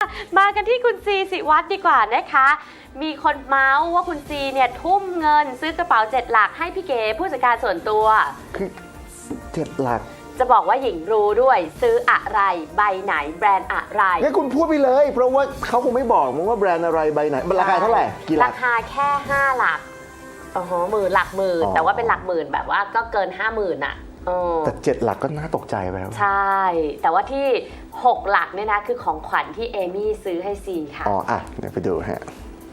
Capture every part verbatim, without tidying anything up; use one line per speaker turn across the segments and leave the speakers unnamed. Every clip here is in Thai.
มากันที่คุณซีศิวัตรดีกว่านะคะมีคนเมาส์ว่าคุณซีเนี่ยทุ่มเงินซื้อกระเป๋าเจ็ดหลักให้พี่เก๋ผู้จัดการส่วนตัว
คือเจ็ดหลัก
จะบอกว่าหญิงรู้ด้วยซื้ออะไรใบไหนแบรนด์อะไร
งั้นคุณพูดไปเลยเพราะว่าเขาคงไม่บอกมั้งว่าแบรนด์อะไรใบไหนราคาเท่าไหร่กี่หลัก
ราคาแค่ห้าหลักโอ้โหหมื่นหลักหมื่นแต่ว่าเป็นหลักหมื่นแบบว่าก็เกินห้าหมื่นอ่ะ
แต่เจ็ดหลักก็น่าตกใจไปแล้ว
ใช่แต่ว่าที่หกหลักเนี่ยนะคือของขวัญที่เอมี่ซื้อให้ซีค่ะ
อ๋ออ่ะเดี๋ยวไปดูฮะ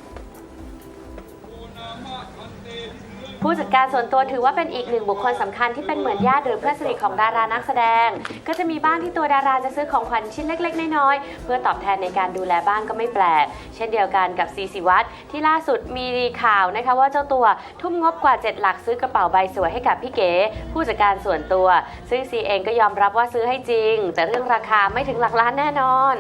ผู้จัดการส่วนตัวถือว่าเป็นอีกหนึ่งบุคคลสำคัญที่เป็นเหมือนญาติหรือเพื่อนสนิทของดารานักแสดงก็จะมีบ้างที่ตัวดาราจะซื้อของขวัญชิ้นเล็กๆน้อยๆเพื่อตอบแทนในการดูแลบ้านก็ไม่แปลกเช่นเดียวกันกับซีศิวัตรที่ล่าสุดมีข่าวนะคะว่าเจ้าตัวทุ่มงบกว่าเจ็ดหลักซื้อกระเป๋าใบสวยให้กับพี่เก๋ผู้จัดการส่วนตัวซึ่งซีเองก็ยอมรับว่าซื้อให้จริงแต่เรื่องราคาไม่ถึงหลักล้านแน่นอน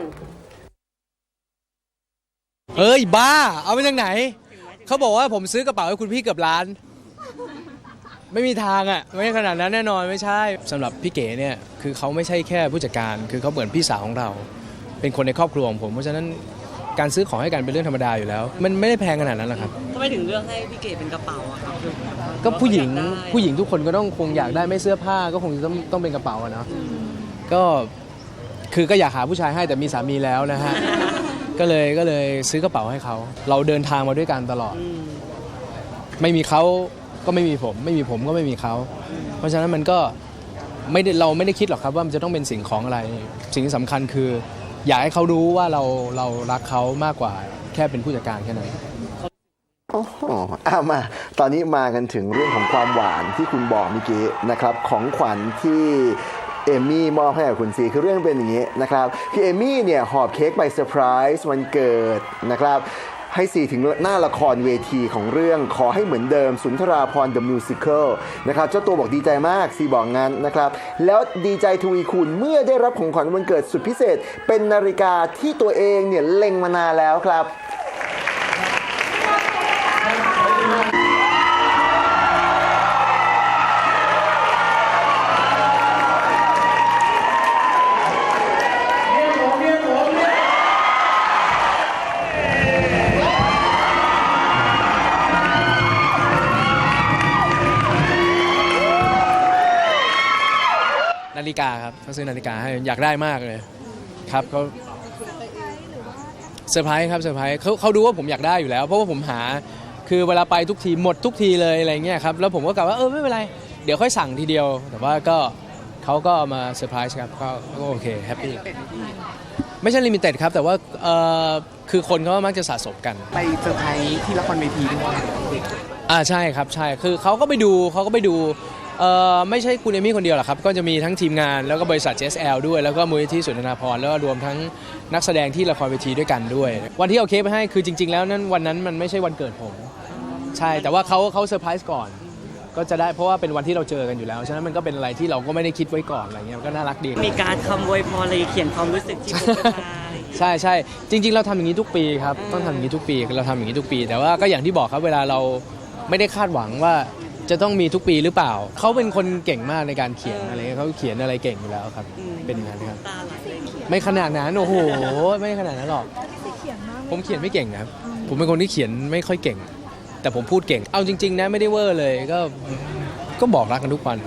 เอ้ยบ้าเอาไปจากไหนเขาบอกว่าผมซื้อกระเป๋าให้คุณพี่เกือบล้านไม่มีทางอ่ะไม่ขนาดนั้นแน่นอนไม่ใช่สำหรับพี่เก๋เนี่ยคือเขาไม่ใช่แค่ผู้จัดการคือเขาเหมือนพี่สาวของเราเป็นคนในครอบครัวของผมเพราะฉะนั้นการซื้อของให้กันเป็นเรื่องธรรมดาอยู่แล้วมันไม่ได้แพงขนาดนั้นหรอกครับ
ทำไมถึงเลือกให้พี่เก๋เป็นกระเป๋าอะครับ
ก็ผู้หญิงผู้หญิงทุกคนก็ต้องคงอยากได้ไม่เสื้อผ้าก็คงต้องต้องเป็นกระเป๋าอะเนาะก็คือก็อยากหาผู้ชายให้แต่มีสามีแล้วนะฮะก็เลยก็เลยซื้อกระเป๋าให้เขาเราเดินทางมาด้วยกันตลอดไม่มีเขาก็ไม่มีผมไม่มีผมก็ไม่มีเขาเพราะฉะนั้นมันก็ไม่ได้เราไม่ได้คิดหรอกครับว่ามันจะต้องเป็นสิ่งของอะไรสิ่งที่สำคัญคืออยากให้เขารู้ว่าเราเรารักเขามากกว่าแค่เป็นผู้จัดการแค่นั้น
โอ้โหอ่ะมาตอนนี้มากันถึงเรื่องของความหวานที่คุณบอกเมื่อกี้นะครับของขวัญที่เอมี่มอบให้กับคุณซีคือเรื่องเป็นอย่างนี้นะครับคือเอมี่เนี่ยหอบเค้กไปเซอร์ไพรส์วันเกิดนะครับให้ซีถึงหน้าละครเวทีของเรื่องขอให้เหมือนเดิมสุนทราภรณ์ The Musical นะครับเจ้าตัวบอกดีใจมากซีบอกงั้นนะครับแล้วดีใจทวีคูณเมื่อได้รับของขวัญวันเกิดสุดพิเศษเป็นนาฬิกาที่ตัวเองเนี่ยเล็งมานานแล้วครับ
นาฬิกาครับเขาซื้อนาฬิกาให้อยากได้มากเลยครับเขาเซอร์ไพรส์ครับเซอร์ไพรส์เขาเขาดูว่าผมอยากได้อยู่แล้วเพราะว่าผมหาคือเวลาไปทุกทีหมดทุกทีเลยอะไรเงี้ยครับแล้วผมก็กล่าวว่าเออไม่เป็นไรเดี๋ยวค่อยสั่งทีเดียวแต่ว่าก็เขาก็มาเซอร์ไพรส์ครับก็ก็โอเคแฮปปี้ไม่ใช่ลิมิเต็ดครับแต่ว่าเออคือคนเขามักจะสะสมกัน
ไปเซอร์ไพรส์ที่ละครเวทีด้วย
อ่าใช่ครับใช่คือเขาก็ไปดูเขาก็ไปดูเอ่อไม่ใช่คุณเอมี่คนเดียวหรอกครับก็จะมีทั้งทีมงานแล้วก็บริษัท เจ เอส แอล ด้วยแล้วก็มูลนิธิสุนทราภรณ์แล้วก็รวมทั้งนักแสดงที่ละครเวทีด้วยกันด้วยวันที่เอาเค้กไปให้คือจริงๆแล้วนั้นวันนั้นมันไม่ใช่วันเกิดผมใช่แต่ว่าเขาเขาเซอร์ไพรส์ก่อนก็จะได้เพราะว่าเป็นวันที่เราเจอกันอยู่แล้วฉะนั้นมันก็เป็นอะไรที่เราก็ไม่ได้คิดไว้ก่อนอะไรเงี้ยก็น่ารักดี
มีการคำอวยพรอะไรเขียนความรู้สึกที่ผมจะ
ใช่ใช่จริงๆเราทำอย่างนี้ทุกปีครับต้องทำอย่างนี้ทุกปีเราทำอย่างนี้ทุกปีแต่ว่าก็อย่างที่บอกครับเวลาเราไม่ได้คาดหวังว่าจะต้องมีทุกปีหรือเปล่าเขาเป็นคนเก่งมากในการเขียนอะไรเขาเขียนอะไรเก่งอยู่แล้วครับเป็นอย่างนั้นครับไม่ขนาดนั้นโอ้โหไม่ขนาดนั้นหรอกผมเขียนไม่เก่งนะครับผมเป็นคนที่เขียนไม่ค่อยเก่งแต่ผมพูดเก่งเอาจริงๆนะไม่ได้เวอร์เลยก็ก็บอกรักกันทุกวัน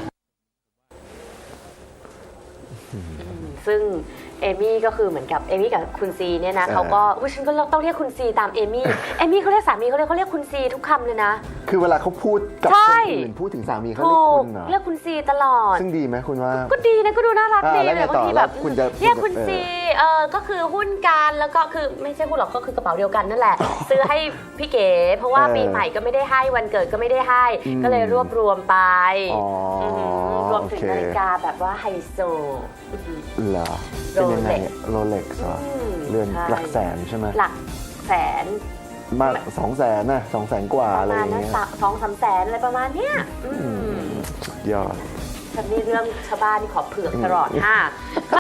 ซึ่งเอมี่ก็คือเหมือนกับเอมี่กับคุณซีเนี่ยนะเขาก็อุ้ยฉันก็ต้องเรียกคุณซีตามเอมี่เอมี่เขาเรียกสามีเขาเรียกเขาเรียกคุณซีทุกคำเลยนะ
คือเวลาเขาพูดกับคนอื่นพูดถึงสามีเขาเรียกคุณเหรอ
เรียกคุณซีตลอด
ซึ่งดีไหมคุณว่า
ก็ดีนะก็ดูน่ารักดี
เลย
บางทีแบบเรียกคุณซีเออก็คือหุ้นกันแล้วก็คือไม่ใช่หุ้นหรอกก็คือกระเป๋าเดียวกันนั่นแหละซื้อให้พี่เก๋เพราะว่าปีใหม่ก็ไม่ได้ให้วันเกิดก็ไม่ได้ให้ก็เลยรวบรวมไปรวมถึงนาฬิกาแบบว่าไฮโซ
เหรอเป็นยังไงโรเล็กซ์เหรอเรือนหลักแสนใช่ไหม
หลักแสน
มากสองแสนนะสองแสนกว่าอะไรอย่างเงี้ย
สองสามแสนอะไรประมาณเนี้ย
ยอด
ฉันนี่เรื่องชาวบ้านนี่ขอเผือกตลอดค่ะ